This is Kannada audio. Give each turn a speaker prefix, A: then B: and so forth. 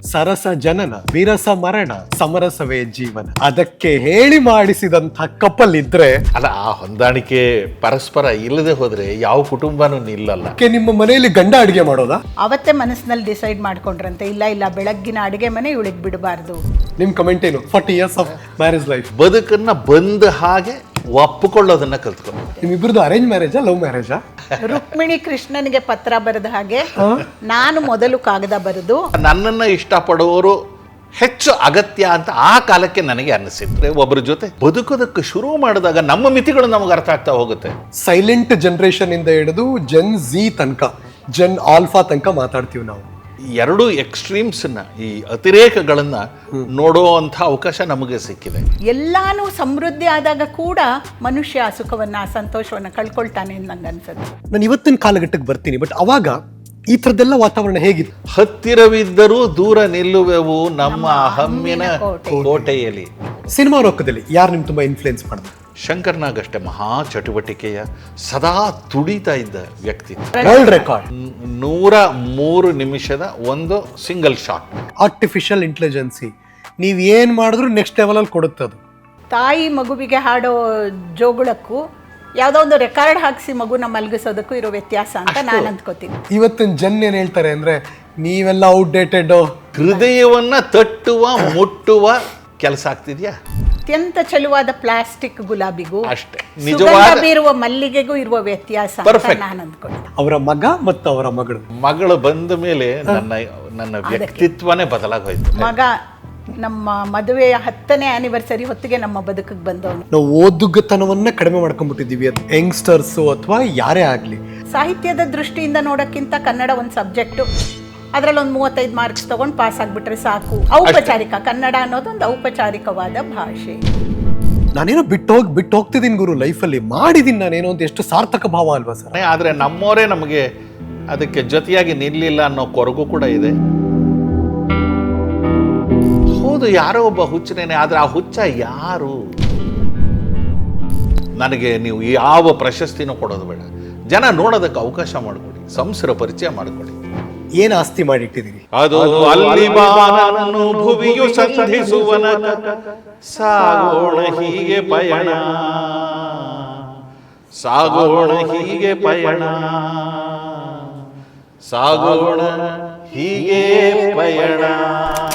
A: ಸರಸ ಜನನ ವಿರಸ ಮರಣ ಸಮರಸವೇ ಜೀವನ ಅದಕ್ಕೆ ಹೇಳಿ ಮಾಡಿಸಿದಂಥ ಕಪಲ್ ಇದ್ರೆ
B: ಅಲ್ಲ, ಆ ಹೊಂದಾಣಿಕೆ ಪರಸ್ಪರ ಇಲ್ಲದೆ ಹೋದ್ರೆ ಯಾವ ಕುಟುಂಬನೂ ನಿಲ್ಲಲ್ಲ.
A: ನಿಮ್ಮ ಮನೆಯಲ್ಲಿ ಗಂಡ ಅಡಿಗೆ ಮಾಡೋದಾ?
C: ಅವತ್ತೇ ಮನಸ್ಸಿನಲ್ಲಿ ಡಿಸೈಡ್ ಮಾಡ್ಕೊಂಡ್ರಂತೆ, ಇಲ್ಲ ಬೆಳಗ್ಗಿನ ಅಡಿಗೆ ಮನೆ ಇವಳಿಗೆ ಬಿಡಬಾರ್ದು.
A: ನಿಮ್ ಕಮೆಂಟ್ ಏನು? 40 years ಆಫ್ ಮ್ಯಾರೇಜ್ ಲೈಫ್
B: ಬದುಕನ್ನ ಬಂದ ಹಾಗೆ ಒಪ್ಪಿಕೊಳ್ಳೋದನ್ನ ಕಲ್ತ್ಕೊಂಡು.
A: ನಿಮ್ಮಿಬ್ಬರದು ಅರೇಂಜ್ ಮ್ಯಾರೇಜಾ ಲವ್ ಮ್ಯಾರೇಜಾ?
C: ರುಕ್ಮಿಣಿ ಕೃಷ್ಣನಿಗೆ ಪತ್ರ ಬರೆದ ಹಾಗೆ ನಾನು ಮೊದಲು ಕಾಗದ ಬರೆದು
B: ನನ್ನನ್ನ ಇಷ್ಟಪಡುವವರು ಹೆಚ್ಚು ಅಗತ್ಯ ಅಂತ ಆ ಕಾಲಕ್ಕೆ ನನಗೆ ಅನ್ನಿಸಿದ್ರೆ, ಒಬ್ಬರ ಜೊತೆ ಬದುಕೋದಕ್ಕೆ ಶುರು ಮಾಡಿದಾಗ ನಮ್ಮ ಮಿತಿಗಳು ನಮಗೆ ಅರ್ಥ ಆಗ್ತಾ ಹೋಗುತ್ತೆ.
A: ಸೈಲೆಂಟ್ ಜನರೇಷನ್ ಇಂದ ಹಿಡಿದು ಜೆನ್ ಝಿ ತನಕ, ಜೆನ್ ಆಲ್ಫಾ ತನಕ ಮಾತಾಡ್ತೀವಿ ನಾವು.
B: ಎರಡು ಎಕ್ಸ್ಟ್ರೀಮ್ಸ್ನ, ಈ ಅತಿರೇಕಗಳನ್ನ ನೋಡುವಂಥ ಅವಕಾಶ ನಮಗೆ ಸಿಕ್ಕಿದೆ.
C: ಎಲ್ಲಾನು ಸಮೃದ್ಧಿ ಆದಾಗ ಕೂಡ ಮನುಷ್ಯ ಆ ಸುಖವನ್ನ ಆ ಸಂತೋಷವನ್ನ ಕಳ್ಕೊಳ್ತಾನೆ ಅಂತ ನಂಗೆ ಅನ್ಸುತ್ತೆ.
A: ನಾನು ಇವತ್ತಿನ ಕಾಲಘಟ್ಟಕ್ಕೆ ಬರ್ತೀನಿ, ಬಟ್ ಅವಾಗ ಈ ಥರದ್ದೆಲ್ಲ ವಾತಾವರಣ ಹೇಗಿತ್ತು?
B: ಹತ್ತಿರವಿದ್ದರೂ ದೂರ ನಿಲ್ಲುವೆವು ನಮ್ಮ ಹಮ್ಮಿನ ಕೋಟೆಯಲ್ಲಿ.
A: ಸಿನಿಮಾ ಲೋಕದಲ್ಲಿ ಯಾರು ನಿಮ್ಗೆ ತುಂಬಾ ಇನ್ಫ್ಲುಯೆನ್ಸ್ ಮಾಡಿದ್ರು?
B: ಶಂಕರ್ನಾಗಷ್ಟೇ ಮಹಾ ಚಟುವಟಿಕೆಯ ಸದಾ ತುಡಿತಾ ಇದ್ದ ವ್ಯಕ್ತಿ.
A: ವರ್ಲ್ಡ್ ರೆಕಾರ್ಡ್
B: 103 ನಿಮಿಷದ ಒಂದು ಸಿಂಗಲ್ ಶಾಟ್.
A: ಆರ್ಟಿಫಿಷಿಯಲ್ ಇಂಟೆಲಿಜೆನ್ಸಿ ನೀವು ಏನ್ ಮಾಡಿದ್ರು ನೆಕ್ಸ್ಟ್ ಲೆವೆಲ್ ಅಲ್ಲಿ ಕೊಡುತ್ತೆ ಅದು.
C: ತಾಯಿ ಮಗುವಿಗೆ ಹಾಡೋ ಜೋಗುಳಕ್ಕೂ ಯಾವುದೋ ಒಂದು ರೆಕಾರ್ಡ್ ಹಾಕಿಸಿ ಮಗುನ ಮಲಗಿಸೋದಕ್ಕೂ ಇರೋ ವ್ಯತ್ಯಾಸ ಅಂತ ನಾನು ಅಂದ್ಕೋತೀನಿ.
A: ಇವತ್ತಿನ ಜನ ಏನ್ ಹೇಳ್ತಾರೆ ಅಂದ್ರೆ ನೀವೆಲ್ಲ ಔಟ್ಡೇಟೆಡ್.
B: ಹೃದಯವನ್ನ ತಟ್ಟುವ ಮುಟ್ಟುವ ಕೆಲಸ ಆಗ್ತಿದ್ಯಾ?
C: ಅತ್ಯಂತ ಚಲುವಾದ ಪ್ಲಾಸ್ಟಿಕ್ ಗುಲಾಬಿಗೂ
B: ಅಷ್ಟೇ
C: ಸುಗಂಧ ಬೀರುವ ಮಲ್ಲಿಗೆಗೂ ಇರುವ ವ್ಯತ್ಯಾಸ ಅಂತ ನಾನು ಅಂದ್ಕೊಂಡೆ.
A: ಅವರ ಮಗ ಮತ್ತು ಅವರ
B: ಮಗಳು ಬಂದ ಮೇಲೆ ನನ್ನ ವ್ಯಕ್ತಿತ್ವನೇ ಬದಲಾಗೋಯ್ತು.
C: ಮಗ ನಮ್ಮ ಮದುವೆಯ 10ನೇ ಆನಿವರ್ಸರಿ ಹೊತ್ತಿಗೆ ನಮ್ಮ ಬದುಕಿಗೆ ಬಂದವನು.
A: ನಾವು ಓದುಗತನವನ್ನ ಕಡಿಮೆ ಮಾಡ್ಕೊಂಡ್ಬಿಟ್ಟಿದೀವಿ, ಯಂಗ್ಸ್ಟರ್ಸ್ ಅಥವಾ ಯಾರೇ ಆಗ್ಲಿ.
C: ಸಾಹಿತ್ಯದ ದೃಷ್ಟಿಯಿಂದ ನೋಡೋಕ್ಕಿಂತ ಕನ್ನಡ ಒಂದು ಸಬ್ಜೆಕ್ಟು, ಅದರಲ್ಲಿ ಒಂದು 35 ಮಾರ್ಕ್ಸ್ ತಗೊಂಡು ಪಾಸ್ ಆಗ್ಬಿಟ್ರೆ ಸಾಕು. ಔಪಚಾರಿಕ ಕನ್ನಡ ಅನ್ನೋದೊಂದು ಔಪಚಾರಿಕವಾದ ಭಾಷೆ.
A: ನಾನೇನೋ ಬಿಟ್ಟು ಹೋಗ್ತಿದ್ದೀನಿ ಗುರು, ಲೈಫಲ್ಲಿ ಮಾಡಿದೀನಿ ನಾನೇನೋ ಅಂತ. ಎಷ್ಟು ಸಾರ್ಥಕ ಭಾವ ಅಲ್ವಾ ಸರ್?
B: ಆದ್ರೆ ನಮ್ಮವರೇ ನಮಗೆ ಅದಕ್ಕೆ ಜೊತೆಯಾಗಿ ನಿಲ್ಲಿಲ್ಲ ಅನ್ನೋ ಕೊರಗು ಕೂಡ ಇದೆ. ಹೌದು, ಯಾರೋ ಒಬ್ಬ ಹುಚ್ಚನೇನೆ, ಆದ್ರೆ ಆ ಹುಚ್ಚ ಯಾರು? ನನಗೆ ನೀವು ಯಾವ ಪ್ರಶಸ್ತಿನೂ ಕೊಡೋದು ಬೇಡ, ಜನ ನೋಡೋದಕ್ಕೆ ಅವಕಾಶ ಮಾಡಿಕೊಡಿ, ಸಂಸರ ಪರಿಚಯ ಮಾಡಿಕೊಡಿ.
A: ಏನ್ ಆಸ್ತಿ ಮಾಡಿಟ್ಟಿದ್ದೀರಿ?
B: ಅದು ಅಲ್ಲಿ ಬಾನನ್ನು ಭುವಿಯು ಸಂಧಿಸುವನ ಸಾಗೋಣ ಹೀಗೆ ಪಯಣ, ಸಾಗೋಣ ಹೀಗೆ ಪಯಣ, ಸಾಗೋಣ ಹೀಗೆ ಪಯಣ.